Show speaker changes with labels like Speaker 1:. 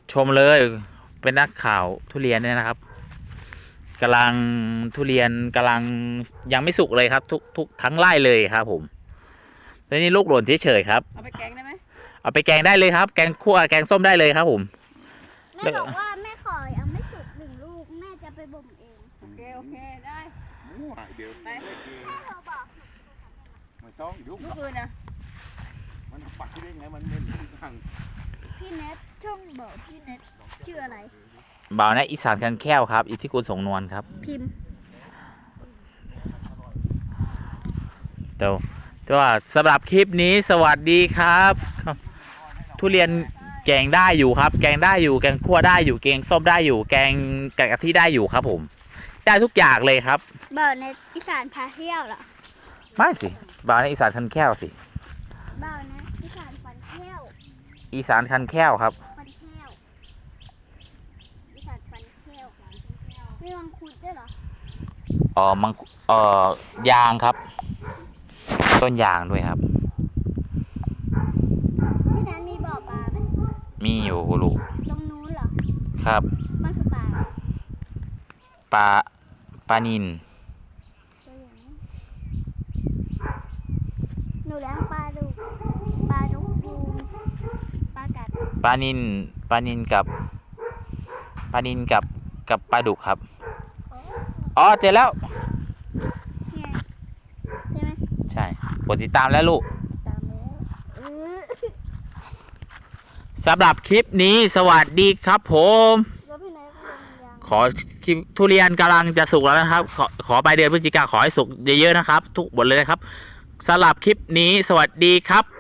Speaker 1: ชมเลยเป็นนักข่าวทุเรียนเนี่ยนะครับกำลังทุเรียนกำลังยังไม่สุกเลยครับ ทุกทั้งไร่เลยครับผมแล้วนี่ลูกหล่นเฉยๆครับ
Speaker 2: เอาไปแกงได้ไหม
Speaker 1: เอาไปแกงได้เลยครับแกงคั่วแกงส้มได้เลยครับผม
Speaker 3: แม่บอกว่าแม่ขอยังไม่สุก1 ลูกแม่จะไปบ่มเอง
Speaker 2: โอเคได้
Speaker 4: มั่วเดี๋ยวไป
Speaker 3: แม่เธอบอก
Speaker 4: ไม่ต้องยุ่ง
Speaker 2: ลูกปืนนะ
Speaker 4: มันปักที่ได้ไงมันเป็นทาง
Speaker 3: พี่เน็ตช่องบอกพี่เน็ตชื่ออะไร
Speaker 1: บ่าวนะอีสานกันแค้วครับอิทธิคุณสงนวลครับ
Speaker 3: พิมพ์
Speaker 1: แต่ว่าสำหรับคลิปนี้สวัสดีครับ ทุเรียนแกงได้อยู่ครับ แกงได้อยู่แกงคั่วได้อยู่แกงส้มได้อยู่แกงกะทิได้อยู่ครับผมได้ทุกอย่างเลยครับ
Speaker 3: บอกในอีสานพาเที่ยวเหรอ
Speaker 1: ไม่สิบ่าวนะอีสานคันแค้วสิ
Speaker 3: บอกนะอีสานฟันเที่ยว
Speaker 1: อีสานคันแค้วครับ
Speaker 3: ฟันเที่ยวอีสานฟันเที่ยวมีมังคุดด้วยเหรอ
Speaker 1: มังยางครับ ต้นยางด้วยครับ
Speaker 3: พี่เน็ตมีบ่อปลาไหม
Speaker 1: มีอยู่ลูก
Speaker 3: ตรงนู้นเหรอ
Speaker 1: ครับ
Speaker 3: มันคือปลาอะไร
Speaker 1: ปลานิล
Speaker 3: ตัวอย่างนี้หนูเลี้ยงปลาดุกปลาดุกยูงปลากัด
Speaker 1: ปลานิลกับปลาดุกครับอ๋อเจอแล้ว
Speaker 3: เนี่ยใช่ไหม
Speaker 1: ใช่กดติดตามแล้วลูก
Speaker 3: ตามแล้ว
Speaker 1: สำหรับคลิปนี้สวัสดีครับผม
Speaker 3: แล้วพี่เน็ตก็ลงยัง
Speaker 1: ขอคลิปทุเรียนกำลังจะสุกแล้วนะครับ ขอไปเดือนพฤศจิกาขอให้สุกเยอะๆนะครับ ทุกบทเลยนะครับสำหรับคลิปนี้สวัสดีครับ